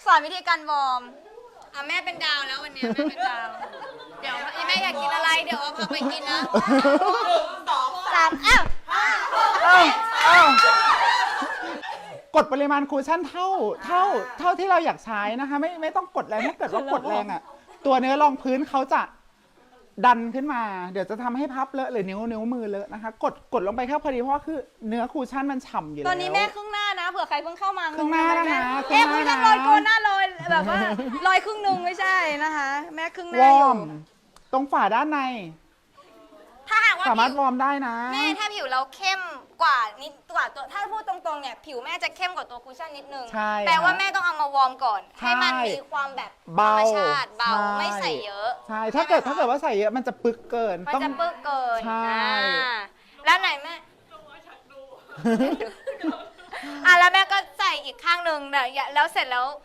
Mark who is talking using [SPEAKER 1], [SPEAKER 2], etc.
[SPEAKER 1] สอนวิธีการวอร์มแม่เป็นดาวแล้ววันนี้แม่เป็นดาว เดี๋ยวแม่อยากกินอะไรเดี๋ยวเอาพาไปกินนะ3
[SPEAKER 2] กดปริมาณคูชั่นเท่าที่เราอยากใช้นะคะ ไม่ต้องกดแรงถ้าเกิดว่ากดแรงอ่ะ ตัวเนื้อรองพื้นเขาจะดันขึ้นมา เดี๋ยวจะทำให้พับเลอะหรือนิ้วมือเลอะนะคะ กดลงไปแค่พอดีเพราะว่าคือเนื้อคูชั่นมันฉ่ำอยู่แล้ว
[SPEAKER 1] ตอนนี้แม่ครึ่งหน้านะเผื่อใครเพิ่งเข้ามา
[SPEAKER 2] ครึ่งหน้านะคะ
[SPEAKER 1] แม่คู
[SPEAKER 2] ครึ่
[SPEAKER 1] ชั่น
[SPEAKER 2] งห
[SPEAKER 1] ล
[SPEAKER 2] น้า
[SPEAKER 1] อยโกนหน้าลอยแบบว่าลอยครึ่งนึงไม่ใช่นะคะ แม่ครึ่งห
[SPEAKER 2] ว
[SPEAKER 1] น้าอ
[SPEAKER 2] อยู่ ร์มตรงฝาด้านใน
[SPEAKER 1] ถ้าหากว่า
[SPEAKER 2] สามารถ
[SPEAKER 1] ผิว
[SPEAKER 2] วอร์มได้นะ
[SPEAKER 1] แม่ถ้าผิวเราเข้มกว่านิดกว่าตัวถ้าพูดตรงๆเนี่ยผิวแม่จะเข้มกว่าตัวคุชชั่นนิดนึง
[SPEAKER 2] ใช่
[SPEAKER 1] แปลว่าแม่ต้องเอามาวอร์มก่อน
[SPEAKER 2] ใช่
[SPEAKER 1] ให้มันมีความแบบธร
[SPEAKER 2] เบาร
[SPEAKER 1] มชาติเบา
[SPEAKER 2] ใช่
[SPEAKER 1] ไม่ใส่เยอะ
[SPEAKER 2] ใช่ถ้าเกิดว่าใส่เยอะมันจะปึกเกิน
[SPEAKER 1] มัน
[SPEAKER 2] ต้อง
[SPEAKER 1] จะเปื้อเกิน
[SPEAKER 2] ใช่
[SPEAKER 1] แล้วไหนแม่แล้วแม่ก็ใส่อีกข้างหนึ่งแล้วเสร็จแล้ว